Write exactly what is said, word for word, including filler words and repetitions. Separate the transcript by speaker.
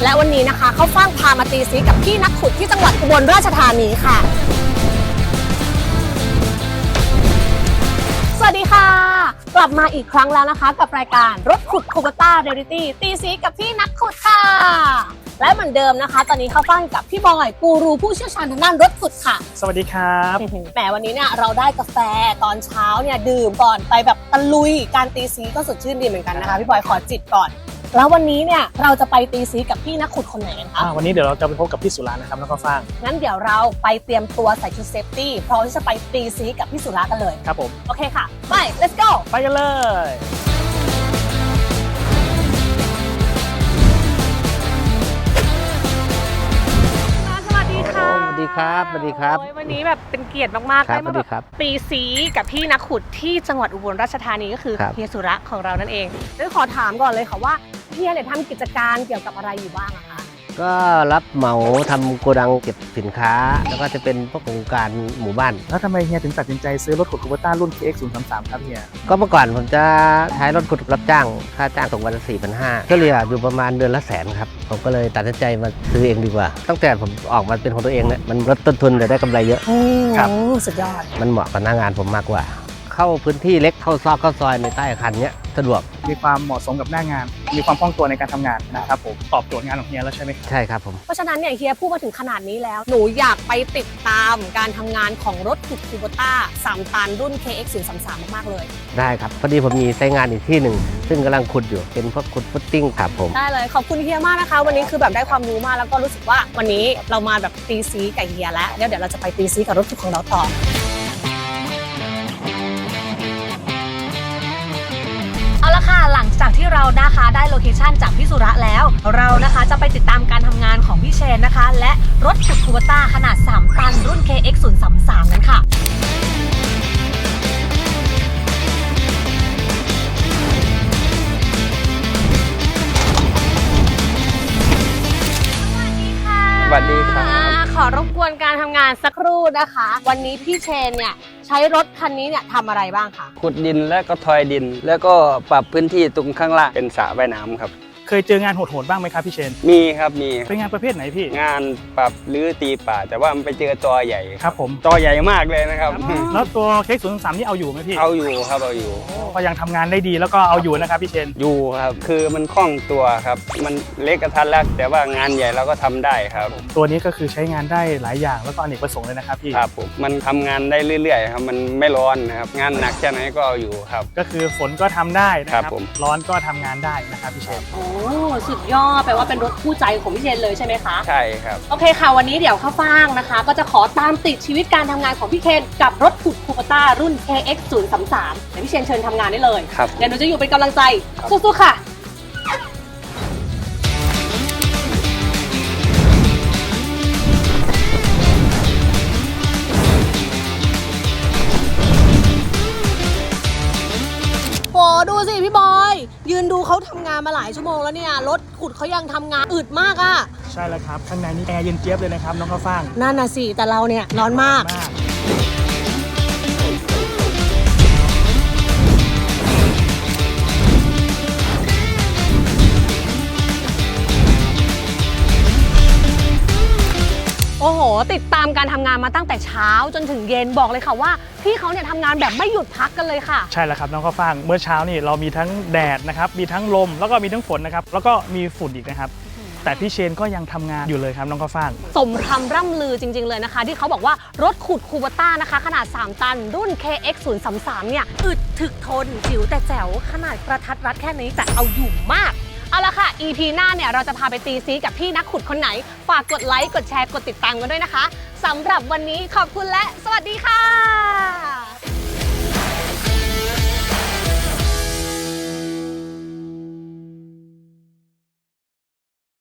Speaker 1: และวันนี้นะคะเขาฟ่างพามาตีซีกับพี่นักขุดที่จังหวัดอุบลราชธานีค่ะสวัสดีค่ะกลับมาอีกครั้งแล้วนะคะกับรายการรถขุดคูโบต้าเรียลิตี้ตีซีกับพี่นักขุดค่ะและเหมือนเดิมนะคะตอนนี้เขาฟังกับพี่บอยกูรูผู้เชี่ยวชาญทางด้านรถขุดค่ะ
Speaker 2: สวัสดีครับ
Speaker 1: แหมวันนี้เนี่ยเราได้กาแฟตอนเช้าเนี่ยดื่มก่อนไปแบบตะลุยการตีซีก็สดชื่นดีเหมือนกันนะคะพี่บอยขอจิบก่อนแล้ววันนี้เนี่ยเราจะไปตีซีกับพี่นักขุดคนไหนกันคะ
Speaker 2: วันนี้เดี๋ยวเราจะไปพบกับพี่สุรานะครับแล้วก็ฟัง
Speaker 1: งั้นเดี๋ยวเราไปเตรียมตัวใส่ชุดเซฟตี้พร้อมที่จะไปตีซีกับพี่สุรากันเลย
Speaker 2: ครับผม
Speaker 1: โอเคค่ะไป let's go
Speaker 2: ไปกันเลย
Speaker 1: สวัสดีค่ะ
Speaker 3: สวัสดีครับสวัสดีครับ
Speaker 1: วันนี้แบบเป็นเกียรติมากๆได้มาแบบตีซีกับพี่นักขุดที่จังหวัดอุบลราชธานีก็คือเฮียสุระของเรานั่นเองเดี๋ยวขอถามก่อนเลยค่ะว่าเฮียเนี่ยทำกิจการเกี่ยวกับอะไรอยู่บ้างอะคะ
Speaker 3: ก็รับเหมาทำโกดังเก็บสินค้าแล้วก็จะเป็นพวกโครงการหมู่บ้าน
Speaker 2: แล้วทำไมเฮียถึงตัดสินใจซื้อรถขุดคูโบต้ารุ่น เค เอ็กซ์ ศูนย์ สาม สาม ครับเฮีย
Speaker 3: ก็เมื่อก่อนผมจะใช้รถขุดรับจ้างค่าจ้างตกวันละ สี่พันห้าร้อย ก็เหลืออยู่ประมาณเดือนละแสนครับผมก็เลยตัดสินใจมาซื้อเองดีกว่าตั้งแต่ผมออกมาเป็นของตัวเองเนี่ยมันลดต้นทุนแต่ได้กำไรเยอะ
Speaker 1: ครับสุดยอด
Speaker 3: มันเหมาะกับหน้างานผมมากกว่าเข้าพื้นที่เล็กเข้าซอกเข้าซอยในใต้อาคารเนี้ยสะดวก
Speaker 2: มีความเหมาะสมกับหน้างานมีความคล่องตัวในการทำงานนะครับผมตอบโจทย์งานของเฮียแล้วใช่ไหมครับ
Speaker 3: ใช่ครับผม
Speaker 1: เพราะฉะนั้นเนี่ยเฮียพูดมาถึงขนาดนี้แล้วหนูอยากไปติดตามการทำงานของรถขุดคูโบต้าสามตันรุ่น เค เอ็กซ์ ศูนย์ สาม สาม มากๆเลย
Speaker 3: ได้ครับพอดีผมมีไซต์งานอีกที่หนึ่งซึ่งกำลังขุดอยู่เป็นพวกขุดฟุตติ้งครับผม
Speaker 1: ได้เลยขอบคุณเฮียมากนะคะวันนี้คือแบบได้ความรู้มากแล้วก็รู้สึกว่าวันนี้เรามาแบบตีซีกับเฮียแล้วเดี๋ยวเดี๋ยวเราจะไปตีซีกับรถขุดของเราต่อเอาละค่ะหลังจากที่เรานะคะได้โลเคชั่นจากพี่สุระแล้วเรานะคะจะไปติดตามการทำงานของพี่เชนนะคะและรถขุดคูโบต้าขนาดสามตันรุ่น เค เอ็กซ์ ศูนย์ สาม สาม นั้นค่ะ
Speaker 4: สวัสดีค่ะ
Speaker 1: ขอรบกวนการทำงานสักครู่นะคะวันนี้พี่เชนเนี่ยใช้รถคันนี้เนี่ยทำอะไรบ้างคะ
Speaker 4: ขุดดินและก็ทอยดินแล้วก็ปรับพื้นที่ตรงข้างล่างเป็นสระว่ายน้ำครับ
Speaker 2: เคยเจองานโหดๆบ้างไหมครับพี่เชน
Speaker 4: มีครับมี
Speaker 2: เป็นงานประเภทไหนพี่
Speaker 4: งานปรับหรือตีป่าแต่ว่ามันไปเจอจอใหญ่
Speaker 2: ครับผม
Speaker 4: จอใหญ่มากเลยนะครับ
Speaker 2: แล้วตัวเคสศูนย์สามนี่เอาอยู่ไหมพี่
Speaker 4: เอาอยู่ครับเอาอยู่
Speaker 2: ก็ยังทำงานได้ดีแล้วก็เอาอยู่นะครับพี่เชน
Speaker 4: อยู่ครับคือมันคล่องตัวครับมันเล็กกระทัดรัดแต่ว่างานใหญ่เราก็ทำได้ครับ
Speaker 2: ตัวนี้ก็คือใช้งานได้หลายอย่างแล้วก็อเนกประสงค์เลยนะครับพี่
Speaker 4: ครับผมมันทำงานได้เรื่อยๆครับมันไม่ร้อนนะครับงานหนักแค่ไหนก็เอาอยู่ครับ
Speaker 2: ก็คือฝนก็ทำได้นะครับร้อนก็ทำงานได้นะครับพี่เชน
Speaker 1: โอ้สุดยอดแปลว่าเป็นรถคู่ใจของพี่เชนเลยใช่ไหมคะ
Speaker 4: ใช่ครับ
Speaker 1: โอเคค่ะวันนี้เดี๋ยวข้าวฟ่างนะคะก็จะขอตามติดชีวิตการทำงานของพี่เชนกับรถขุดคูโบต้ารุ่น เค เอ็กซ์ ศูนย์ สาม สามเดี๋ยวพี่เชนเชิญทำงานได้เลย
Speaker 4: ครับ
Speaker 1: เดี๋ยวหนูจะอยู่เป็นกำลังใจสู้ๆค่ะโอ้ดูสิพี่บอยยืนดูเขาทำงานมาหลายชั่วโมงแล้วเนี่ยรถขุดเขายังทำงานอึดมากอ่ะ
Speaker 2: ใช่แล้วครับข้างในนี่แอร์เย็นเจี๊ยบเลยนะครับน้องข้าวฟ่าง
Speaker 1: นั่นน่ะสิแต่เราเนี่ยร้อนมากโอ้โหติดตามการทำงานมาตั้งแต่เช้าจนถึงเย็นบอกเลยค่ะว่าพี่เขาเนี่ยทำงานแบบไม่หยุดพักกันเลยค่ะ
Speaker 2: ใช่แล้วครับน้องข้าวฟ่างเมื่อเช้านี่เรามีทั้งแดดนะครับมีทั้งลมแล้วก็มีทั้งฝนนะครับแล้วก็มีฝุ่นอีกนะครับแต่พี่เชนก็ยังทำงานอยู่เลยครับน้องข้าวฟ่าง
Speaker 1: สมคำร่ำลือจริงๆเลยนะคะที่เขาบอกว่ารถขุดคูโบต้านะคะขนาดสามตันรุ่น เค เอ็กซ์ ศูนย์ สาม สามเนี่ยอึดถึกทนจิ๋วแต่แจ๋วขนาดกระทัดรัดแค่นี้แต่เอาอยู่มากเอาละค่ะ อี พี หน้าเนี่ยเราจะพาไปตีซีกับพี่นักขุดคนไหนฝากกดไลค์กดแชร์กดติดตามกันด้วยนะคะสำหรับวันนี้ขอบคุณและสวัสดีค่ะ